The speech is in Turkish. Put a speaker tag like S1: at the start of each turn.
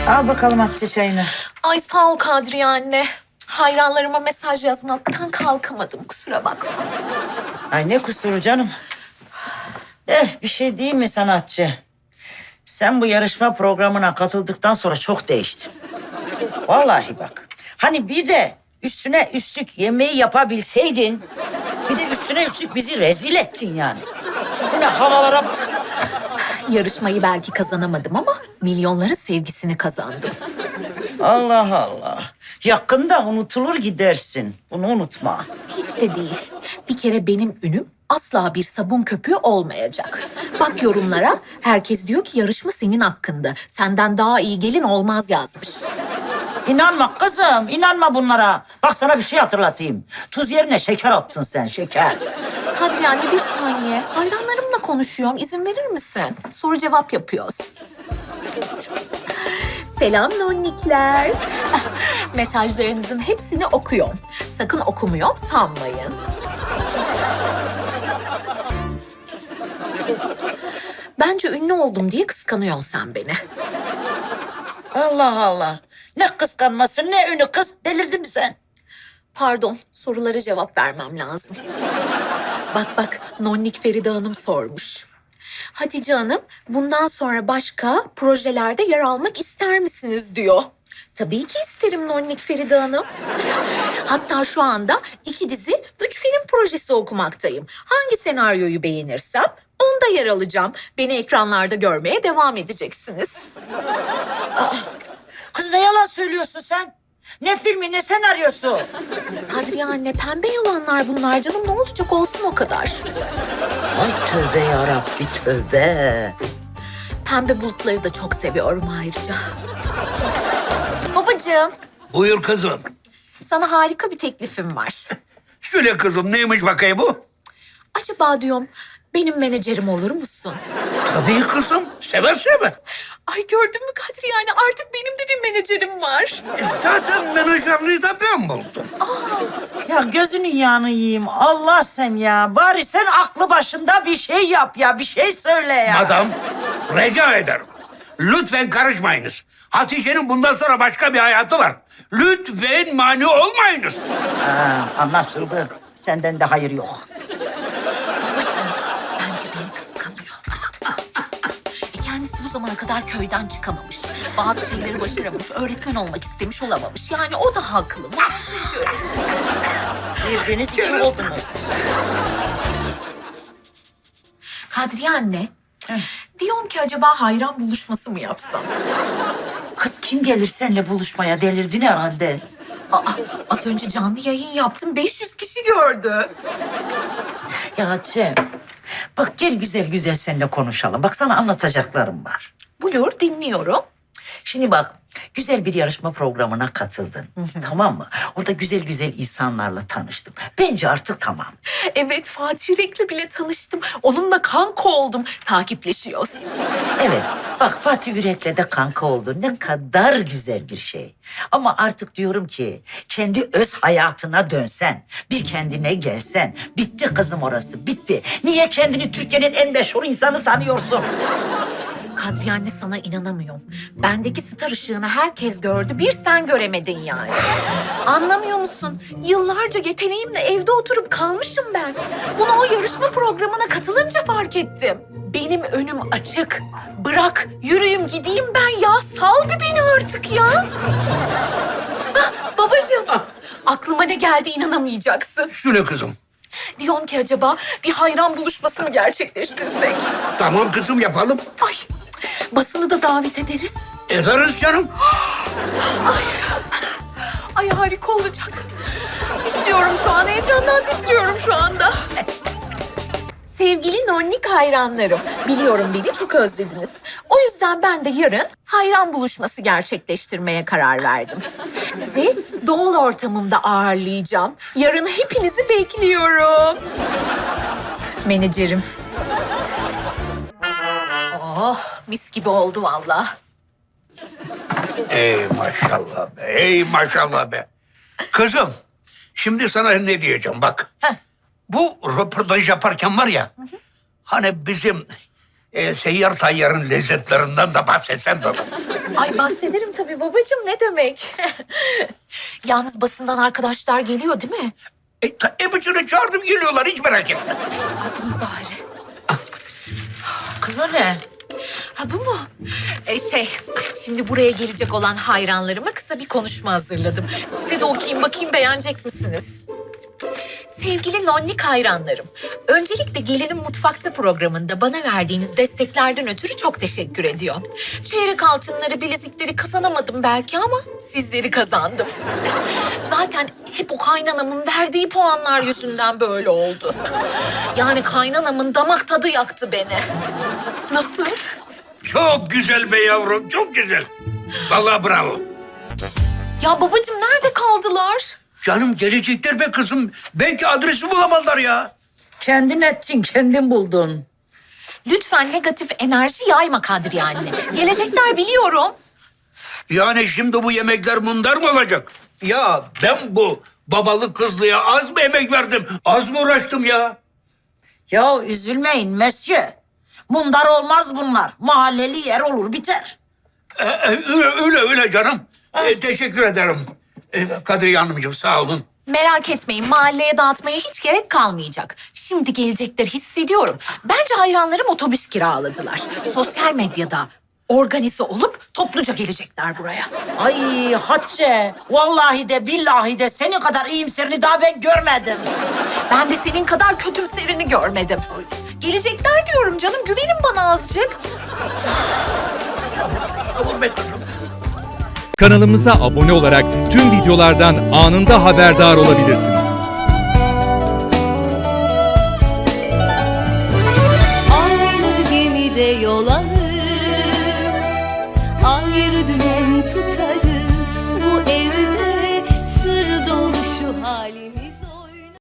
S1: Al bakalım Hatice çayını.
S2: Ay sağ ol Kadriye anne. Hayranlarıma mesaj yazmaktan kalkamadım, kusura bakma.
S1: Ay ne kusuru canım. Bir şey değil mi sanatçı? Sen bu yarışma programına katıldıktan sonra çok değiştin. Vallahi bak. Hani bir de üstüne üstlük yemeği yapabilseydin... ...bir de üstüne üstlük bizi rezil ettin yani. Bu ne havalara bak.
S2: Yarışmayı belki kazanamadım ama milyonların sevgisini kazandım.
S1: Allah Allah. Yakında unutulur gidersin. Bunu unutma.
S2: Hiç de değil. Bir kere benim ünüm asla bir sabun köpüğü olmayacak. Bak yorumlara, herkes diyor ki yarışma senin hakkında. Senden daha iyi gelin olmaz yazmış.
S1: İnanma kızım, inanma bunlara. Bak sana bir şey hatırlatayım. Tuz yerine şeker attın sen, şeker.
S2: Kadriye anne bir saniye. Hayranlarımla konuşuyorum. İzin verir misin? Soru cevap yapıyoruz. Selam nonnikler. Mesajlarınızın hepsini okuyorum. Sakın okumuyorum sanmayın. Bence ünlü oldum diye kıskanıyorsun sen beni.
S1: Allah Allah. Ne kıskanması, ne ünü kız. Delirdin mi sen?
S2: Pardon, sorulara cevap vermem lazım. Bak, Nonnik Feride Hanım sormuş. Hatice Hanım, bundan sonra başka projelerde yer almak ister misiniz diyor. Tabii ki isterim Nonnik Feride Hanım. Hatta şu anda 2 dizi, 3 film projesi okumaktayım. Hangi senaryoyu beğenirsem onda yer alacağım. Beni ekranlarda görmeye devam edeceksiniz.
S1: Kız ne yalan söylüyorsun sen? Ne filmi, ne senaryosu?
S2: Kadriye anne, pembe yalanlar bunlar canım. Ne olacak olsun o kadar.
S1: Ay tövbe yarabbi tövbe.
S2: Pembe bulutları da çok seviyorum ayrıca. Babacığım,
S3: Buyur kızım.
S2: sana harika bir teklifim var.
S3: Söyle kızım, neymiş bakayım bu?
S2: Acaba diyorum, benim menajerim olur musun?
S3: Tabii kızım, seve seve.
S2: Ay gördün mü Kadriye anne, artık benim de bir menajerim var.
S3: Zaten menajerliği de ben buldum.
S1: Ya gözünün yağını yiyeyim. Allah sen ya. Bari sen aklı başında bir şey yap ya. Bir şey söyle ya.
S3: Madam, rica ederim. Lütfen karışmayınız. Hatice'nin bundan sonra başka bir hayatı var. Lütfen mani olmayınız.
S1: Anlaşıldı. Senden de hayır yok.
S2: Babacığım, bence beni kıskanıyor. Kendisi bu zamana kadar köyden çıkamamış. Bazı şeyleri başaramamış, öğretmen olmak istemiş olamamış. Yani o da haklı.
S1: Birbiriniz iki oldunuz.
S2: Kadriye anne, diyorum ki acaba hayran buluşması mı yapsam?
S1: Kız kim gelir seninle buluşmaya? Delirdin herhalde.
S2: Az önce canlı yayın yaptım, 500 kişi gördü.
S1: Ya Hatice, bak gel güzel güzel seninle konuşalım. Bak sana anlatacaklarım var.
S2: Buyur, dinliyorum.
S1: Şimdi bak, güzel bir yarışma programına katıldın. Tamam mı? Orada güzel güzel insanlarla tanıştım. Bence artık tamam.
S2: Evet, Fatih Yürek'le bile tanıştım. Onunla kanka oldum. Takipleşiyoruz.
S1: Evet, bak Fatih Yürek'le de kanka oldun. Ne kadar güzel bir şey. Ama artık diyorum ki kendi öz hayatına dönsen, bir kendine gelsen. Bitti kızım orası, bitti. Niye kendini Türkiye'nin en meşhur insanı sanıyorsun?
S2: Kadriye anne, sana inanamıyorum. Bendeki star ışığını herkes gördü. Bir sen göremedin yani. Anlamıyor musun? Yıllarca yeteneğimle evde oturup kalmışım ben. Bunu o yarışma programına katılınca fark ettim. Benim önüm açık. Bırak yürüyeyim gideyim ben ya. Sal bir beni artık ya. Babacığım, aklıma ne geldi inanamayacaksın.
S3: Söyle kızım.
S2: Diyorum ki acaba bir hayran buluşması mı gerçekleştirsek?
S3: Tamam kızım, yapalım.
S2: Ay, basını da davet ederiz.
S3: Ederiz canım.
S2: Ay harika olacak. Titriyorum şu an, heyecandan titriyorum şu anda. Sevgili nonnik hayranlarım, biliyorum beni çok özlediniz. O yüzden ben de yarın hayran buluşması gerçekleştirmeye karar verdim. Sizi doğal ortamımda ağırlayacağım. Yarın hepinizi bekliyorum. Menajerim. Oh, mis gibi oldu vallahi.
S3: Ey maşallah be, ey maşallah be. Kızım, şimdi sana ne diyeceğim bak.
S2: Heh.
S3: Bu röportaj yaparken var ya, hani bizim seyyar tayyarın lezzetlerinden de bahsetsen de olur.
S2: Ay bahsederim tabii babacığım, ne demek. Yalnız basından arkadaşlar geliyor değil mi?
S3: Hepsini çağırdım geliyorlar hiç merak etme.
S2: İyi bari.
S1: Kız o ne?
S2: Ha bu mu? Şimdi buraya gelecek olan hayranlarıma kısa bir konuşma hazırladım. Size de okuyayım bakayım, beğenecek misiniz? Sevgili nonnik hayranlarım, öncelikle Gelinin Mutfakta programında bana verdiğiniz desteklerden ötürü çok teşekkür ediyorum. Çeyrek altınları, bilezikleri kazanamadım belki ama sizleri kazandım. Zaten hep o kaynanamın verdiği puanlar yüzünden böyle oldu. Yani kaynanamın damak tadı yaktı beni. Nasıl?
S3: Çok güzel be yavrum, çok güzel. Vallahi bravo.
S2: Ya babacığım nerede kaldılar?
S3: Canım gelecekler be kızım. Belki adresi bulamazlar ya.
S1: Kendin ettin, kendin buldun.
S2: Lütfen negatif enerji yayma Kadriye anne. Gelecekler biliyorum.
S3: Yani şimdi bu yemekler mundar mı olacak? Ya ben bu babalı kızlıya az mı emek verdim? Az mı uğraştım ya?
S1: Ya üzülmeyin Monsieur. Mundar olmaz bunlar. Mahalleli yer olur biter.
S3: Öyle canım. Teşekkür ederim. Kadriye Hanımcığım sağ olun.
S2: Merak etmeyin, mahalleye dağıtmaya hiç gerek kalmayacak. Şimdi gelecekler hissediyorum. Bence hayranlarım otobüs kiraladılar. Sosyal medyada organize olup topluca gelecekler buraya.
S1: Ay Hatice, vallahi de billahi de senin kadar iyimserini daha ben görmedim.
S2: Ben de senin kadar kötümserini görmedim. Gelecekler diyorum canım, güvenin bana azıcık.
S4: Kanalımıza abone olarak tüm videolardan anında haberdar olabilirsiniz.
S5: Aynı gemide yol alır, ayrı dümen tutarız.